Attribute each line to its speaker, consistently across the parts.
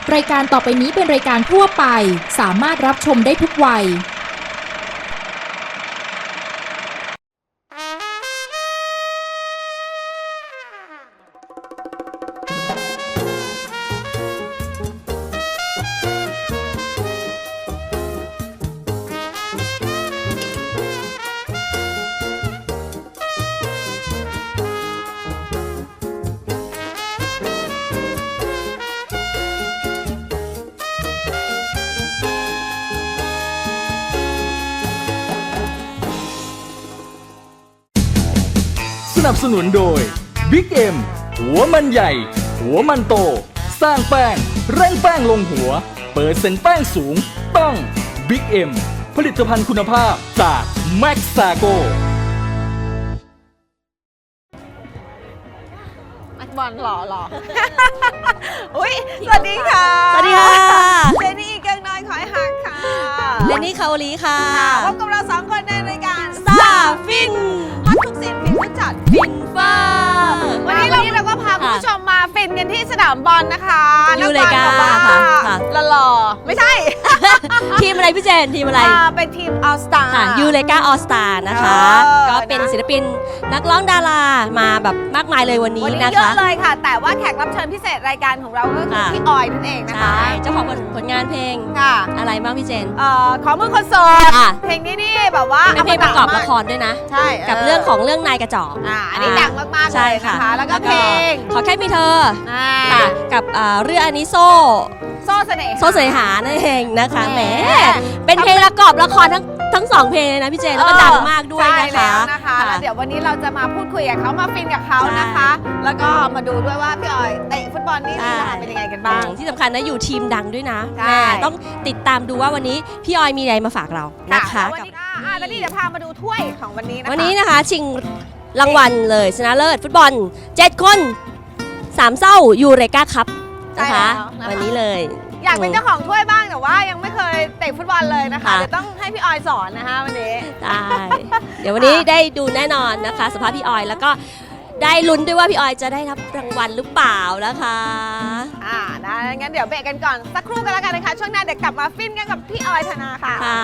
Speaker 1: รายการต่อไปนี้เป็นรายการทั่วไปสามารถรับชมได้ทุกวัย
Speaker 2: สนับสนุนโดย Big M หัวมันใหญ่หัวมันโตสร้างแป้งเร่งแป้งลงหัวเปิดเซ็นแป้งสูงต้อง Big M ผลิตภัณฑ์คุณภาพจาก Maxago
Speaker 3: บอลหล่ออุ้ยสวัสดีค่ะ
Speaker 4: สวัสดีค่ะ
Speaker 3: เจนนี่เกิงน้อยขอยหักค่ะ
Speaker 4: เลนนี่คาโอลีค่ะ
Speaker 3: พบกับเราสองคนในรายการ
Speaker 4: ซาฟิน
Speaker 3: ฮอตทุกสิ่งฟินทุกจัด
Speaker 4: ฟินฟ้า
Speaker 3: วันนี้เราก็พาคุณผู้ชมมาฟินกันที่สนามบอลนะคะ
Speaker 4: ยูเลกา
Speaker 3: นับอลบอก
Speaker 4: ค่ะ
Speaker 3: ว่าหล่อๆไม่ใช่
Speaker 4: ทีมอะไรพี่เจนทีมอะไร
Speaker 3: เป็นทีมออลสตาร์
Speaker 4: ค่ะยูเลกาออสตานะคะ ก็เป็นศิลปินนักร้องดารามาแบบมากมายเลยวันนี้
Speaker 3: วันนี้
Speaker 4: นะ
Speaker 3: เย
Speaker 4: คะ
Speaker 3: อะเลยค่ะ แต่ว่าแขกรับเชิญพิเศษรายการของเราก็คือ
Speaker 4: ค่ะ
Speaker 3: พี่ออยนั่นเองนะคะ
Speaker 4: ใช่เจ้าของผลงานเพลง
Speaker 3: ค่ะ
Speaker 4: อะไรบ้างพี่เจน
Speaker 3: ขอมือคนโสด
Speaker 4: ค่ะ
Speaker 3: เพลงนี้นี่แบบว่า
Speaker 4: เป็นเพลงประกอบละครด้วยนะ
Speaker 3: ใช่
Speaker 4: กับเรื่องของเรื่องนายกระจอก
Speaker 3: อันนี้ดังมากๆเล
Speaker 4: ใช่
Speaker 3: ย
Speaker 4: ค่ะ
Speaker 3: นะคะแล้วก็เพลง
Speaker 4: ขอแค่มีเธอ
Speaker 3: อ่า
Speaker 4: ค่ะกับเรื่องอานิโซ
Speaker 3: โซ่เสน่ห์
Speaker 4: โซเสหานั่นเองนะคะแหม
Speaker 3: แหม
Speaker 4: เป็นเพลงประกอบละครทั้งสองเพลงเลยนะพี่เจนแล้วก็ดังมากด้วย
Speaker 3: ใช่
Speaker 4: นะ
Speaker 3: แล้
Speaker 4: คะ
Speaker 3: วนะคะแล้วเดี๋ยววันนี้เราจะมาพูดคุยกับเขามาฟินกับเขานะคะ แล้วก็มาดูด้วยว่าพี่ออยเตะฟุตบอลนี่เป็นยังไงกันบ้าง
Speaker 4: ที่สำคัญนะอยู่ทีมดังด้วยนะ
Speaker 3: ใช่
Speaker 4: แม่ต้องติดตามดูว่าวันนี้พี่ออยมีอะไรมาฝากเรานะคะ
Speaker 3: แล้ววันนี้แล้วนี่เดี๋ยวพามาดูถ้วยของวันนี้นะคะ
Speaker 4: วันนี้นะคะชิงรางวัลเลยชนะเลิศฟุตบอล7 คน3เศร้ายูเรกาคัพนะคะวันนี้เลย
Speaker 3: อยากเป็นเจ้าของถ้วยบ้างแต่ว่ายังไม่เคยเตะฟุตบอลเลยนะคะ
Speaker 4: ค่ะ
Speaker 3: เดี๋ยวต้องให้พี่ออยสอนนะคะวันนี้
Speaker 4: ได้เดี๋ยววันนี้ได้ดูแน่นอนนะคะสภาพพี่ออยแล้วก็ได้ลุ้นด้วยว่าพี่ออยจะได้รับรางวัลหรือเปล่านะคะ
Speaker 3: นะงั้นเดี๋ยวเบรกกันก่อนสักครู่กันแล้วกันนะคะช่วงหน้าเดี๋ยวกลับมาฟินกันกับพี่ออยธนาค่ะ
Speaker 4: ค่ะ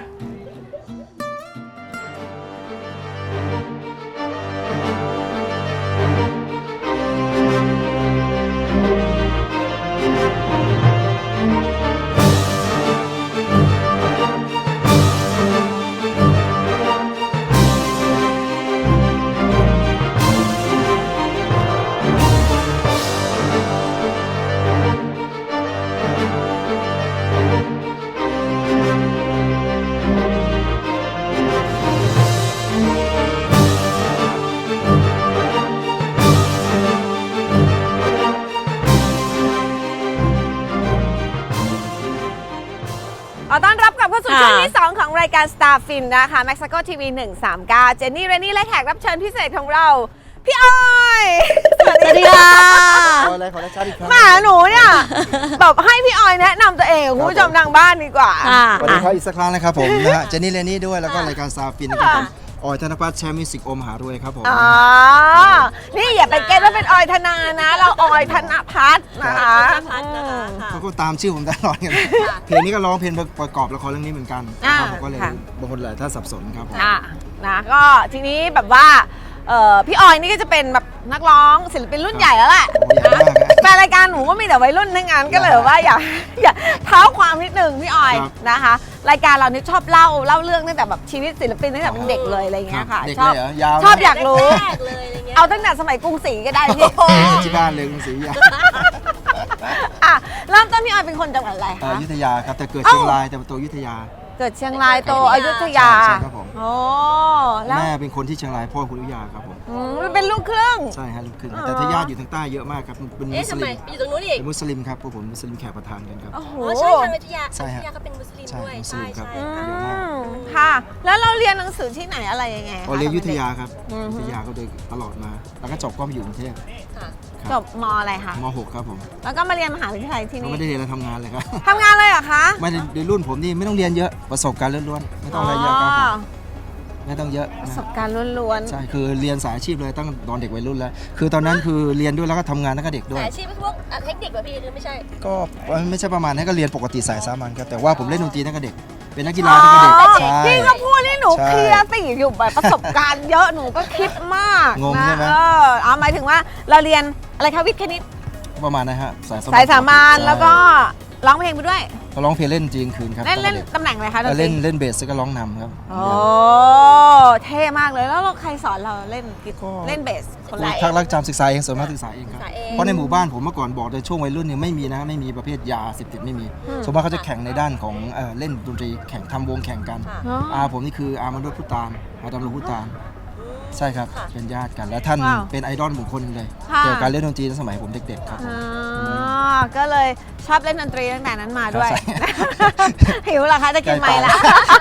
Speaker 3: ขอต้อนรับกลับเข้าสู่ช่วงที่ 2 ของรายการ Star Fin นะคะ Maxago TV 139 เจนนี่เรนนี่และแขกรับเชิญพิเศษของเรา พี่ออย
Speaker 4: สวัสดีค่ะ
Speaker 5: ขออะไรขอได้ชาติอีกครั้ง
Speaker 3: หมาหนูเนี่ย แบบให้พี่ออยแนะนำตัวเองกับคุณผู้ชมทางบ้านดีกว่า
Speaker 4: ค่ะ
Speaker 5: สวัสดีครับอีกสักครั้งนะครับผมนะฮะเจนนี่เลนี่ด้วยแล้วก็รายการซาฟินนะครับผมออยธนพัฒน์แชมป์มิวสิกโอมหารวยครับผม
Speaker 3: อ๋อ นี่อย่าไปเก็ตว่าเป็นออยธนานะ เราออยธนพัฒน์นะคะ
Speaker 5: เขาก็ตามชื่อผมตลอดกันเพลงนี้ก็ร้องเพลงประกอบละครเรื่องนี้เหมือนกันนะครับผมก็เลยบางคนหลายท่านสับสนครับผม
Speaker 3: นะก็ทีนี้แบบว่าพี่ออยนี่ก็จะเป็นแบบนักร้องศิลปินรุ่นใหญ่แล้วแหละ
Speaker 5: โอ้ใหญ่มากฮะ
Speaker 3: แฟนรายการหนูก็มีแต่วัยรุ่นทั้งนั้นก็เลยว่าอยากเท้าความนิดนึงพี่ออย
Speaker 5: ครับ
Speaker 3: นะคะ รายการเรานี่ชอบเล่าเรื่องตั้งแต่แบบชีวิตศิลปินตั้งแต่เป็นเด็กเลยอะไรเงี้ยค่ะ
Speaker 5: เด็ก
Speaker 3: ชอบ
Speaker 5: เลยเหรอยาว
Speaker 3: ชอบอยากรู้
Speaker 4: แรกเลยอะไรเงี้ย
Speaker 3: เอาตั้งแต่สมัยกรุงศรีก็ได้พี่
Speaker 5: ที่บ้านเลยกรุงศรีอยุธยา
Speaker 3: อ่ะเริ่มต้นพี่ออยเป็นคนจังหวัดอะไรคะ
Speaker 5: อยุธยาครับแต่เกิดเชียงรายแต่โตอยุธยา
Speaker 3: เกิดเชียงรายโตอยุธยา
Speaker 5: ใช่ครับผม
Speaker 3: โอ้แล้ว
Speaker 5: แม่เป็นคนที่เชียงรายพ่อคนอยุธยาครับผม
Speaker 3: เป็นลูกครึ่ง
Speaker 5: ใช่ฮะลูกครึ่งแต่ทายาทอยู่ทางใต้เยอะมากครับเป็นมุ
Speaker 4: เอ๊ะ
Speaker 5: ส
Speaker 4: ทำไม
Speaker 5: ลิม
Speaker 4: อยู่ตรงนู้นอีก
Speaker 5: เป็นมุสลิมครับพวกผมมุสลิมแขกประทานกันครับ
Speaker 3: โอ้โห
Speaker 4: อ๋อใช่ทางวิทยา
Speaker 5: ใช่ฮะ
Speaker 4: วิทยาก็เป็นมุสลิม
Speaker 5: ใช่
Speaker 4: ด้วย
Speaker 5: มุส
Speaker 4: ใช่
Speaker 5: ลิมครับ
Speaker 4: ใช่ค่ะ
Speaker 5: เยอะมาก
Speaker 3: ค่ะ แล้วเราเรียนหนังสือที่ไหนอะไรยังไงคะ
Speaker 5: เรียนอยุธยาครับ
Speaker 3: อืม
Speaker 5: อยุธยาก็โดยตลอดมา แล้วก็จบก็มาอยู่กรุงเทพ
Speaker 4: ค่ะ
Speaker 3: จบมอะไรคะ
Speaker 5: ม .6 ครับผม
Speaker 3: แล้วก็มาเรียนมหาวิทยาลัยที่
Speaker 5: ก็
Speaker 3: นี่
Speaker 5: ไม่ได้เรียนแล้วทำงานเลยครับ
Speaker 3: ทำงานเลยเหรอคะ
Speaker 5: ไม่ได้ในรุ่นผมนี่ไม่ต้องเรียนเยอะประสบการณ์ล้วนๆไม่ต้องอะไรเยอะครับผมไม่ต้องเยอะ
Speaker 3: ประ
Speaker 5: นะ
Speaker 3: สบการณ์ล้วน
Speaker 5: ใช่คือเรียนสายอาชีพเลยตั้งตอนเด็กวัยรุ่นแล้วคือตอนนั้นคือเรียนด้วยแล้วก็ทำงานแล้วก็เด็กด้วย
Speaker 4: สายอาชีพพวกเทคนิคแบบพี่หรือไม่ใช่
Speaker 5: ก็ไม่ใช่ประมาณนั้นก็เรียนปกติสายสามัญครับแต่ว่าผมเล่นดนตรีตั้งแต่เด็กเป็นนักกีฬาตั้งแต่เด็กใช่
Speaker 3: พี่ก็พูดนี่หนู
Speaker 5: ใช่
Speaker 3: เคลียร์สิอยู่แบบประสบการณ์เยอะหนูก็คิดมาก
Speaker 5: งงใช่ไหม
Speaker 3: เอาหมายถึงว่าเราเรียนอะไรคะวิทย์คณิต
Speaker 5: ประมาณนั้นฮะสาย
Speaker 3: สายสามัญ
Speaker 5: ใช่
Speaker 3: แล้วก็ร้องเพลงไปด้วย
Speaker 5: ก็ร้องเพลงเล่นจริงคืนครับ
Speaker 3: เล่น
Speaker 5: ตอ
Speaker 3: เล่น
Speaker 5: ด็ก
Speaker 3: ตำแหน่งอะไรคะดนตรี
Speaker 5: เล่นเบสแล้วก็ร้องนำครับ
Speaker 3: โอ้เท่มากเลยแล้วเราใครสอนเราเล่นกีตาร์เล่นเบสคนไหน
Speaker 5: ภาครักจำศึกษาเองส่วนมากศึกษาเองครับ
Speaker 4: ศึกษาเอง
Speaker 5: เพราะในหมู่บ้านผมเมื่อก่อนบอกในช่วงวัยรุ่นเนี่ยไม่มีนะไม่มีประเภทยาเสพติดไม่มีส่วนมากเขาจะแข่งในด้านของเล่นดนตรีแข่งทำวงแข่งกัน
Speaker 4: ค่ะ
Speaker 3: อ๋อ
Speaker 5: อาผมนี่คืออามนุษย์พุตานอาดำรงพุตานใช่ครับ
Speaker 4: ค่ะ
Speaker 5: เป็นญาติกันและท่าน
Speaker 3: ว้าว
Speaker 5: เป็นไอดอลบุคคลเลย
Speaker 3: ค่ะ
Speaker 5: เกี่ยวกับการเล่นดนตรีในสมัยผมเด็กๆครับ
Speaker 3: อ๋อก็เลยชอบเล่นดนตรีตั้งแต่นั้นมาด้วย
Speaker 5: ใช่
Speaker 3: หิวเหรอคะจะกินไหมล่ะ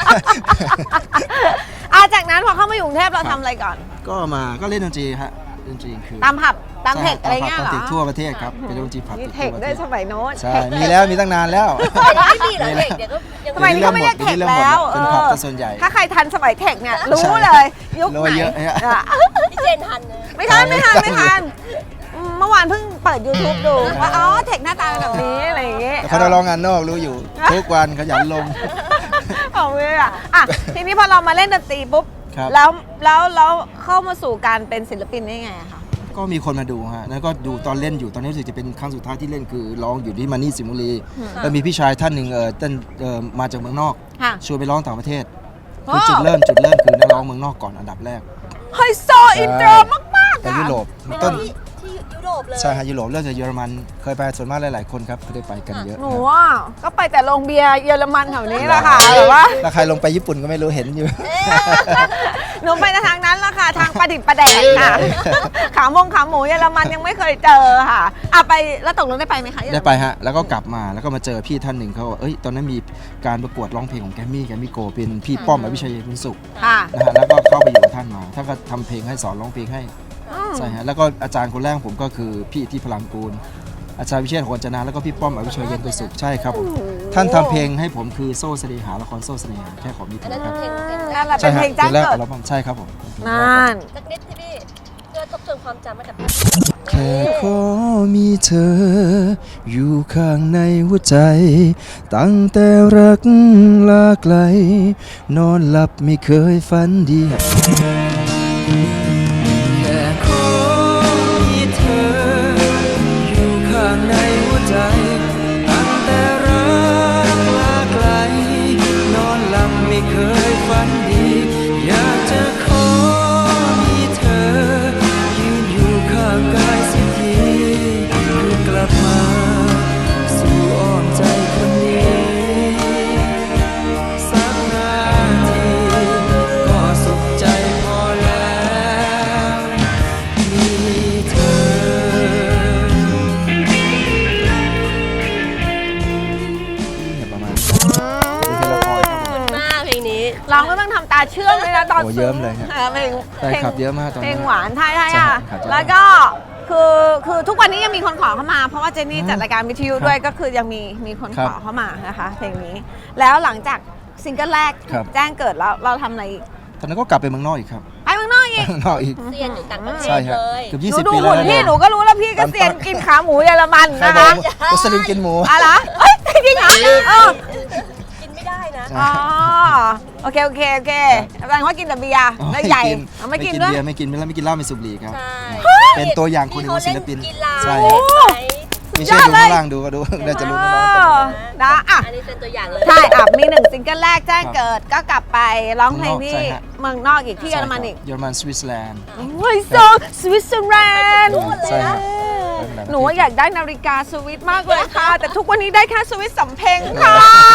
Speaker 3: จากนั้นพอเข้ามาอยู่กรุงเทพเราทำอะไรก่อน
Speaker 5: ก็เล่นดนตรีฮะดนตรีคือ
Speaker 3: ตามผับตามเทคอะไร
Speaker 5: ใช่
Speaker 3: เงี้ย
Speaker 5: ตาม
Speaker 3: เหร
Speaker 5: เท
Speaker 3: อ
Speaker 5: คทั่วประเทศครับเป็นดนตรีผับ
Speaker 3: มี
Speaker 5: ทั่ว
Speaker 3: เทค
Speaker 5: ประ
Speaker 3: ด้วย
Speaker 5: เทศ
Speaker 3: สมัยโน้น
Speaker 5: ใช่มีแล้วมีตั้งนานแล้ว
Speaker 4: ไม่มีเหรอเด็กเดี๋ยวก็ยัง
Speaker 3: สมัยนี้เขาไม่เรียกเทคแล้ว
Speaker 5: เป็นผับแต่ส่วนใหญ่
Speaker 3: ถ้าใครทันสมัยเทคเนี่ยรู้
Speaker 5: ใช่
Speaker 3: เลยยุค
Speaker 5: รู้
Speaker 3: ไหน
Speaker 5: เยอะฮะ
Speaker 3: อ่ะ
Speaker 4: พี่เจนทันนะ
Speaker 3: ไม่ทันเมื่อวานเพิ่งเปิด YouTube ดูว่าอ๋อเทคหน้าตาเป็นแบบนี้อะไรอย่างเงี้ย
Speaker 5: แต่เขาได้ร้องงานนอกรู้อยู่ ทุกวันขยันลง
Speaker 3: ของเลยอ่ะทีนี้พอเรามาเล่นดนตรีปุ๊บ
Speaker 5: ครับ
Speaker 3: แล้วเข้ามาสู่การเป็นศิลปินได้ไงอะคะ
Speaker 5: ก็มีคนมาดูฮะแล้วก็ดูตอนเล่นอยู่ตอนนี้รู้สึกจะเป็นครั้งสุดท้ายที่เล่นคือร้องอยู่ที่มานี่สิงห์บุรีแล้วมีพี่ชายท่านหนึ่งเต้นมาจากเมืองนอก
Speaker 3: ค่ะ
Speaker 5: ชวนไปร้องต่างประเทศ
Speaker 3: ว้าว
Speaker 5: คือจุดเริ่มคือนักร้องเมืองนอกก่อนอันดับแรก
Speaker 3: ไฮโซอินเตอร์มากๆ
Speaker 5: ไป
Speaker 3: อะ
Speaker 5: ยุโรป
Speaker 4: เป็น
Speaker 5: ต้น
Speaker 4: ที่ยุโรปเลย
Speaker 5: ใช่ฮะยุโรปเริ่มจากเยอรมันเคยไปส่วนมากหลายๆคนครับไม่ได้ไปกันเยอะ
Speaker 3: หนูอ่ะก็ไปแต่โรงเบียร์เยอรมันแถวนี้แหละค่ะแต่ว่า
Speaker 5: แล้วใครลงไปญี่ปุ่นก็ไม่รู้เห็นอยู่
Speaker 3: หนูไปในทางนั้นแหละค่ะ ทางประดิษฐ์ประแดกค่ะ ขาหมูเยอรมันยังไม่เคยเจอค่ะไปแล้วตกลงได้ไปไหมคะเยอรมัน
Speaker 5: ได้ไปฮะแล้วก็กลับมาแล้วก็มาเจอพี่ท่านหนึ่งเขาบอกตอนนั้นมีการประกวดร้องเพลงของแกมมี่โกเป็นพี่ป้อมอภิชัยบุญสุข
Speaker 3: ค่ะ
Speaker 5: นะฮะแล้วก็เข้าไปอยู่กับท่านมาท่านก็ทำเพลงให้สอนร้องเพลงให้
Speaker 3: อืม
Speaker 5: ใช่ฮะแล้วก็อาจารย์คนแรกของผมก็คือพี่ที่พลังกูล อาจารย์วิเชษฐ์โหนจนาแล้วก็พี่ป้อมอภิชัยเย็นตุสุขใช่ครับผมท่านทำเพลงให้ผมคือโซ่เสน่หาละครโซ่เสน่หาแค่ขอมี
Speaker 4: อั
Speaker 5: เธ
Speaker 4: นนั้น
Speaker 5: อครับ
Speaker 4: เพลง
Speaker 3: นั่นแหละ
Speaker 5: ใช่
Speaker 3: เป็น
Speaker 5: ฮะ
Speaker 3: เพลงจ้าง
Speaker 5: แรก
Speaker 3: เกิด
Speaker 5: อัลบั้มใช่ครับผม
Speaker 3: นั่น
Speaker 4: สักนิดที่พี่เพื่อทบทวนความจำให้กับ
Speaker 5: แค่ขอมีเธอ อยู่ข้างในหัวใจ ตั้งแต่รักลาไกล นอนหลับไม่เคยฝันดี แค่ขอมีเธอ อยู่ข้างในหัวใจ ตั้งแต่รักลาไกล นอนหลับไม่เคยฝันดี อยากจะขอมีเธอ ยืนอยู่ข้างกายสักทีเพื่อกลับมาสู่อ้อมใจคนนี้ สักนาทีก็สุขใจพอแล้วมีเธอเนี่ยประมาณนี้เป็นละครครับผม
Speaker 4: มากเพลงนี้
Speaker 3: ร้องก็ต้องทำตาเชื่อมเลยนะตอน
Speaker 5: โอ้เยิ้มเลยฮะ
Speaker 3: เพลง
Speaker 5: แฟนคลับเยอะมากตอน
Speaker 3: เพล
Speaker 5: นี้
Speaker 3: งหวานใช่
Speaker 5: ใช่
Speaker 3: อ่ะ
Speaker 5: ครับ
Speaker 3: แล้วก็คือทุกวันนี้ยังมีคนขอเข้ามา เพราะว่าเจนนี่จัดรายการวิทยุด้วยก็คือยังมีคนขอเข้ามานะคะเพลงนี้ แล้วหลังจากซิงเกิลแรก
Speaker 5: ครับ
Speaker 3: แจ้งเกิดแล้วเราทำอะไรอีก
Speaker 5: ตอนนั้นก็กลับไปเมืองนอกอีกครับ
Speaker 3: ไปเมืองนอกอีก
Speaker 5: เมืองนอกอีก
Speaker 4: เซียนอยู่ต่างประเท
Speaker 5: ใช่
Speaker 4: ศ
Speaker 5: ครับ
Speaker 4: เลย
Speaker 5: เกือบ
Speaker 3: หนู
Speaker 5: 20
Speaker 3: ดู
Speaker 5: ปีแล้ว
Speaker 3: หุ่น
Speaker 5: นะ
Speaker 3: พี่
Speaker 5: เนี่ย
Speaker 3: หนูก็รู้แล้วพี่ก็เซียนกินขาหมูเยอรมัน
Speaker 5: ใคร
Speaker 3: นะ
Speaker 5: บอ
Speaker 3: คะ
Speaker 5: กมุสลิมกินหมู
Speaker 3: อะไรเอ้ยจริงเหรอ
Speaker 4: กินไม่ได้นะ
Speaker 3: อ๋อโอเคแสดงว่ากินแต่เบียร์แล้วใหญ่เอาไม่กินด้วย
Speaker 5: เบียร์ไม่กินไม่กินเหล้าไม่สูบบุหรี่ครับ
Speaker 4: ใช่
Speaker 5: เป็นตัวอย่างคนหนึ่งของศิลปิน
Speaker 4: ที่เขาเล่นกีฬา
Speaker 5: ใช่
Speaker 4: เล่นไหม
Speaker 5: ไม่เชื่อดูข้างล่างดูก็ดูน่าจะรู้น้องๆกัน
Speaker 3: นะอ่ะ
Speaker 4: อันนี้เป็นตัวอย่างเลย
Speaker 3: ใช่มีหนึ่งซิงเกิลแรกแจ้งเกิดก็กลับไปร้องเพลงที่
Speaker 5: ใช่ฮะ
Speaker 3: เมืองนอกอีกที่เยอรมันอีก
Speaker 5: เยอรมันสวิตเซอร์แลนด์
Speaker 3: โอ้ยโซสวิตเซอร์แลนด์
Speaker 5: ใช่ฮะ
Speaker 3: หนูว่าอยากได้นาฬิกาสวิตมากเลยค่ะ แต่ทุกวันนี้ได้แค่สวิตสำเพ็งค่ะ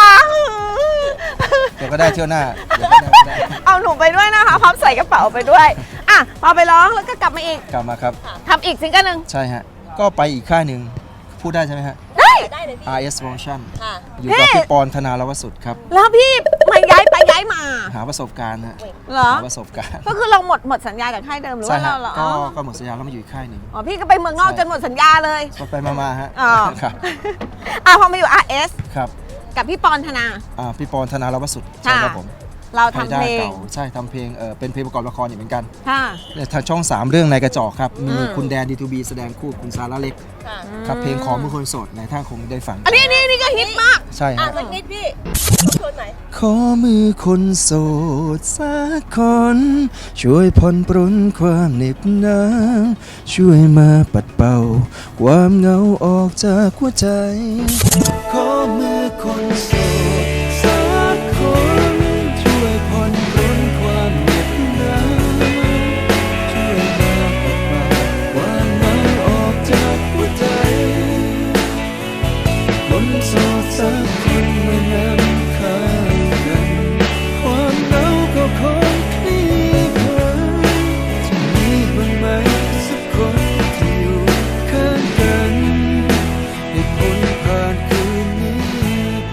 Speaker 5: เดี๋ยวก็ได้เที่ยวหน้าเดี๋ยวก็ได้
Speaker 3: เอาหนูไปด้วยนะคะพร้อมใส่กระเป๋าไปด้วยอ่ะพอไปร้องแล้วก็กลับมาอีก
Speaker 5: กลับมาครับ
Speaker 3: ทำอีกซิงเกิลหนึ่ง
Speaker 5: ใช่ฮะก็ไปอีกค่ายหนึ่งพูดได้ใช่ไหมฮะ
Speaker 3: ได้
Speaker 4: ได้เลยพี่
Speaker 5: RS Motion
Speaker 4: ค่ะ
Speaker 5: อยู่กับพี่ปอนธนาลวสุดครับ
Speaker 3: แล้วพี่มาย้ายมา
Speaker 5: หาประสบการณ์ฮะ
Speaker 3: เหรอ
Speaker 5: หาประสบการณ์
Speaker 3: ก็คือเราหมดสัญญากับค่ายเดิมหรือ
Speaker 5: ใช่
Speaker 3: ว่า
Speaker 5: ฮะ
Speaker 3: เราเหรอ
Speaker 5: ก็หมดสัญญาแล้วมาอยู่อีกค่ายหนึ่ง
Speaker 3: อ๋อพี่ก็ไปเมืองนอกจนหมดสัญญาเลย
Speaker 5: ไปมาฮะ
Speaker 3: อ๋อ
Speaker 5: ครับ
Speaker 3: พอมาอยู่ RS
Speaker 5: ครับ
Speaker 3: กับพี่ปอนธนา
Speaker 5: พี่ปอนธนาลวสุด
Speaker 3: ค่ะ
Speaker 5: ใช่ครับผม
Speaker 3: เรา
Speaker 6: ไฮ
Speaker 3: ทำ
Speaker 6: ด้า
Speaker 3: เพลง
Speaker 6: เก่าใช่ทำเพลงเป็นเพลงประกอบละครอยู่เหมือนกัน
Speaker 3: ค่ะ
Speaker 6: ทางช่อง 3 เรื่องในกระจอกครับ มี
Speaker 3: อืม
Speaker 6: คุณแดน D2B แสดงคู่คุณซาร่าเล็ก
Speaker 4: ค่ะ
Speaker 6: ครับเพลงของมือคนโสดในท่านคงได้ฟัง
Speaker 3: อันนี้ก็ฮิตมาก
Speaker 6: ใช่
Speaker 4: อ่ะ
Speaker 6: ฮะ
Speaker 4: สักนิดพี่ชวนไหน
Speaker 6: ขอมือคนโสดสักคน ช่วยผ่อนปรนความเหน็บหนาวช่วยมาปัดเป่า ความเหงาออกจากหัวใจ ขอมือคนโสดสักคน ช่วยผ่อนปรนความเหน็บหนาวช่วยมาปัดเป่าความเหงาออกจากหัวใจ คนโสดสักคนมานำข้างกัน ความเหงาก็คงคลี่คลายจะมีบ้างไหมสักคนที่อยู่ข้างกันให้พ้นผ่านคืนนี้ไป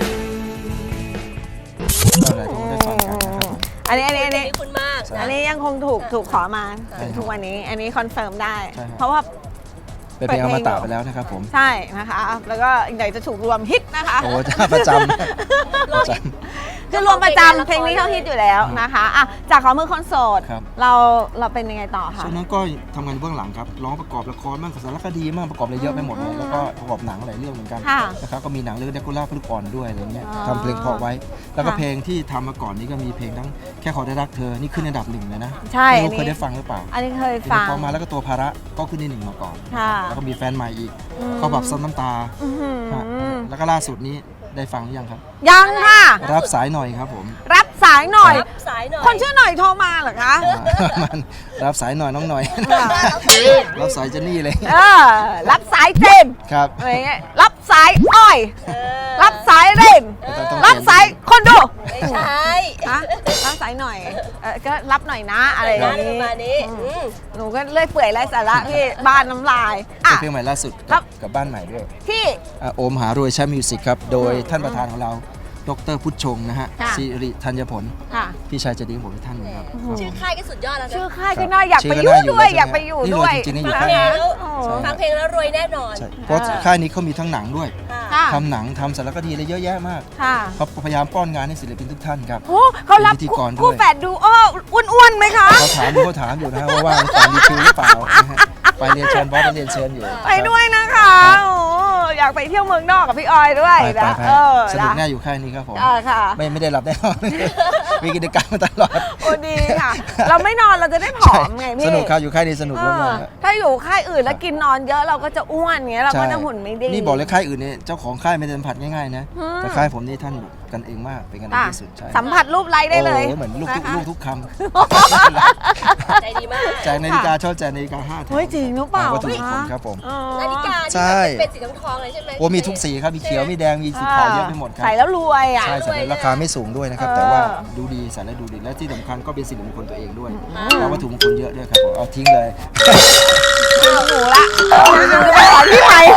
Speaker 6: อะไรคงได้ฟังกันนะครับผม
Speaker 3: อันนี้
Speaker 4: คุณมาก
Speaker 3: อันนี้ยังคงถูกขอมาถึงทุกวันนี้ อันนี้คอนเฟิร์มได้
Speaker 6: ใช่ครับ
Speaker 3: เพราะว่า
Speaker 6: เป็นเพลงอมตะไปแล้วนะครับผม
Speaker 3: ใช่นะคะ แล้วก็อีกหน่อยจะถูกรวมฮิตนะคะ
Speaker 6: โอ้ประจำประจำ
Speaker 3: คือรวมประจำเพลงนี้เขาฮิตอยู่แล้วนะคะอ่ะจากขอมือคนโสด
Speaker 6: ครับ
Speaker 3: เราเป็นยังไงต่อคะ
Speaker 6: ช่วงนั้นก็ทำงานเบื้องหลังครับร้องประกอบละครบ้างสารคดีบ้างประกอบอะไรเยอะไปหมดเลยแล้วก็ประกอบหนังหลายเรื่องเหมือนกัน
Speaker 3: ค่ะ
Speaker 6: นะครับก็มีหนังเรื่องเดคูล่าพลึกอ่อนด้วยอะไรเงี้ย
Speaker 3: อ๋อ
Speaker 6: ทำเพลงเพอไว้ แล้วก็
Speaker 3: ค่ะ
Speaker 6: เพลงที่ทำมาก่อนนี้ก็มีเพลงทั้งแค่ขอได้รักเธอนี่ขึ้นอันดับหนึ่งเลยนะ
Speaker 3: ใช่
Speaker 6: ไม่
Speaker 3: อัน
Speaker 6: รู้เคย
Speaker 3: นี้
Speaker 6: ได้ฟังหรือเปล่า
Speaker 3: อันนี้เคย
Speaker 6: เพล
Speaker 3: ฟั
Speaker 6: ง
Speaker 3: ง
Speaker 6: พอมาแล้วก็ตัวภาระก็ขึ้นที่หนึ่งมาก่อน
Speaker 3: ค่ะ
Speaker 6: แล้วก็มีแฟนใหม่อีก
Speaker 3: อืม
Speaker 6: เขาแบบซ้ำน้ำตา
Speaker 3: อื้อหือ
Speaker 6: ฮะแล้วก็ล่าสุดนี้ได้ฟังหรือยังครับ
Speaker 3: ยังค่ะ
Speaker 6: รับสายหน่อยครับผม
Speaker 3: รับสายหน่อย
Speaker 4: รับสายหน่อย
Speaker 3: คนชื่อหน่อยโทรมาเหรอคะ
Speaker 6: มันรับสายหน่อยน้องหน่อย รับสายเจนนี่เลย
Speaker 3: เออรับสายเจมส์
Speaker 6: ครับ
Speaker 3: อะไรเงี้ยรับสายอ้อย
Speaker 4: เออ
Speaker 3: รับสายเรน
Speaker 6: ต้อง
Speaker 3: รับสายคนดู
Speaker 4: ไม่ใช่
Speaker 3: อะรับสายหน่อยก็รับหน่อยนะอะไรอย่าง
Speaker 4: ป
Speaker 3: นี้
Speaker 4: ระมาณนี้อืม
Speaker 3: หนูก็เลื่อยเปื่อยไร้สาระพี่บ้านน้ำลายอ่ะ
Speaker 6: เพลงใหม่ล่าสุด
Speaker 3: ครับ
Speaker 6: กับบ้านใหม่ด้วย
Speaker 3: ที่
Speaker 6: โอมหารวยแชมป์มิวสิกครับ โดยท่านประธานของเรา ดรพุทธชงนะฮะ
Speaker 3: ค่ะ
Speaker 6: สิริธัญผล
Speaker 3: ค่ะ
Speaker 6: พี่ชายใจะดีของผมอีกท่านหนึงครับ
Speaker 4: ชื่อค่ายก็สุดยอดแล้วนะ
Speaker 3: ชื่อค่ายก็น่าอยาก
Speaker 6: ชื่
Speaker 3: ไป
Speaker 6: อ
Speaker 3: อยู่
Speaker 6: น่าอยู่
Speaker 3: ด้วย
Speaker 6: แล้ว
Speaker 3: อยาก
Speaker 6: ใช่ไหม
Speaker 3: ไปอยู่
Speaker 6: นี่
Speaker 3: ด้วย
Speaker 6: รวยจริงๆนี่อยู่
Speaker 4: ฟัง
Speaker 6: ค่าย
Speaker 4: เพล
Speaker 6: นี้
Speaker 4: งแล้ว
Speaker 3: โอ้
Speaker 4: ฟังเพลงแล้วรวยแน่นอน
Speaker 6: ใช่เพราะค่ายนี้เขามีทั้งหนังด้วย
Speaker 4: ค่ะ
Speaker 3: ค่ะ
Speaker 6: ทำหนังทำสารคดีอะไรเยอะแยะมาก
Speaker 3: ค่ะ
Speaker 6: เขาพยายามป้อนงานให้ศิลปินทุกท่านครับ
Speaker 3: โอ้เขารับ
Speaker 6: เป็นพิธีกรด้วย
Speaker 3: คู่แฝดดูอ้อ้วนๆไหมคะ
Speaker 6: เขาถามอยู่นะฮะว่าว่างตอนดีคิวหรือเปล่านะฮะไปเรียนเชิญบอสไปเรียนเชิญอยู่
Speaker 3: ไปด้วยนะคะโอ้อยากไปเที่ยวเมืองนอกกับพี่ออยด้วย
Speaker 6: ไป
Speaker 3: นะ
Speaker 6: ไป
Speaker 3: เออ
Speaker 6: สนุก
Speaker 3: นะ
Speaker 6: แน่อยู่ค่ายนี้ครับผม
Speaker 3: ค่ะ
Speaker 6: ไม่ได้หลับแน่นอน มีกิจกรรมมาตลอด
Speaker 3: โอ้ดีค่ะ เราไม่นอนเราจะได้ผอมไงพี่
Speaker 6: สนุกครับอยู่ค่ายนี้สนุก
Speaker 3: เอ
Speaker 6: แล้ว
Speaker 3: อ
Speaker 6: นะ
Speaker 3: ถ้าอยู่ค่ายอื่นแล้วกินนอนเยอะเราก็จะอ้วนเงี้ยเราก็จะหุ่นไม่ดี
Speaker 6: นี่บอกเลยค่ายอื่นเนี่ยเจ้าของค่ายไม่ได้สัมผัสง่ายๆนะ
Speaker 3: อืม
Speaker 6: แต่ค่ายผมนี่ท่านกันเองมากเป็นกันเอง
Speaker 3: ค่ะ
Speaker 6: ที่สุดใช่
Speaker 3: สัมผัสรูปไลค์ได้เลย
Speaker 6: โอ้โหเหมือนลูกทุก
Speaker 3: นะคะ
Speaker 6: ลูกทุกค
Speaker 4: ใจดีมาก
Speaker 6: ำแจกนาฬิกาชอบแจกนาฬิกา5แถว
Speaker 3: เฮ้ยจริงหรือเปล่า
Speaker 6: วัตถุมงคลครับผม
Speaker 3: อ๋อ
Speaker 4: นาฬิกา
Speaker 6: ใช่
Speaker 4: ที่แบบเป็นสีทองๆเลยใช่ไหม
Speaker 6: โอ้มีทุกสีครับมีเขียวมีแดงมีสีขาวเยอะไปหมดครับ
Speaker 3: ใส่แล้วรวยอ่ะ
Speaker 6: ใช่ใส่แล้วราคาไม่สูงด้วยนะครับ
Speaker 3: เออ
Speaker 6: แต่ว่าดูดีใส่แล้วดูดีและที่สำคัญก็เป็นสิริมงคลตัวเองด้วยแล้ววัตถุมงคลเยอะด้วยครับผมเอาทิ้งเลย
Speaker 3: ดูหนูละเดี๋ยวไปขอที่ใหม่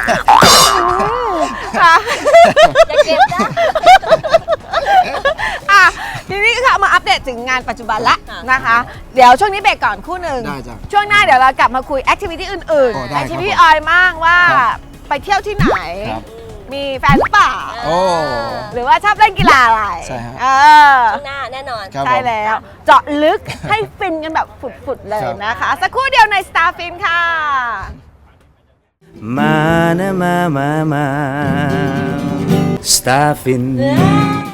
Speaker 3: ค่ะ
Speaker 4: อย่าเก็บนะ
Speaker 3: อ่ะทีนี้ค่ะมาอัปเดตถึงงานปัจจุบันละ
Speaker 4: ค่ะ
Speaker 3: นะคะ เดี๋ยวช่วงนี้เบรกก่อนคู่หนึ่ง
Speaker 6: ได้จ้ะ
Speaker 3: ช่วงหน้าเดี๋ยวเรากลับมาคุยแอคทิวิตี้อื่น
Speaker 6: โอ้
Speaker 3: ๆ
Speaker 6: ได้
Speaker 3: แอคทิวิตี้
Speaker 6: ครับผม
Speaker 3: ออยมั่งว่า
Speaker 6: ครับ
Speaker 3: ไปเที่ยวที่ไหน
Speaker 6: ครับ
Speaker 3: มีแฟนหรือเปล่า
Speaker 6: โอ้
Speaker 3: หรือว่าชอบเล่นกีฬาอะไร
Speaker 6: ใช่ฮะ
Speaker 3: เออ
Speaker 4: ข้างหน้าแน่นอน
Speaker 6: ครับ
Speaker 3: ใช่
Speaker 6: ผม
Speaker 3: แล้ว เจาะลึกให้ฟินกันแบบฝุดๆเลย
Speaker 6: ครับ
Speaker 3: นะคะ สักครู่เดียวใน Starfin ค่ะ
Speaker 5: มานะมา Starfin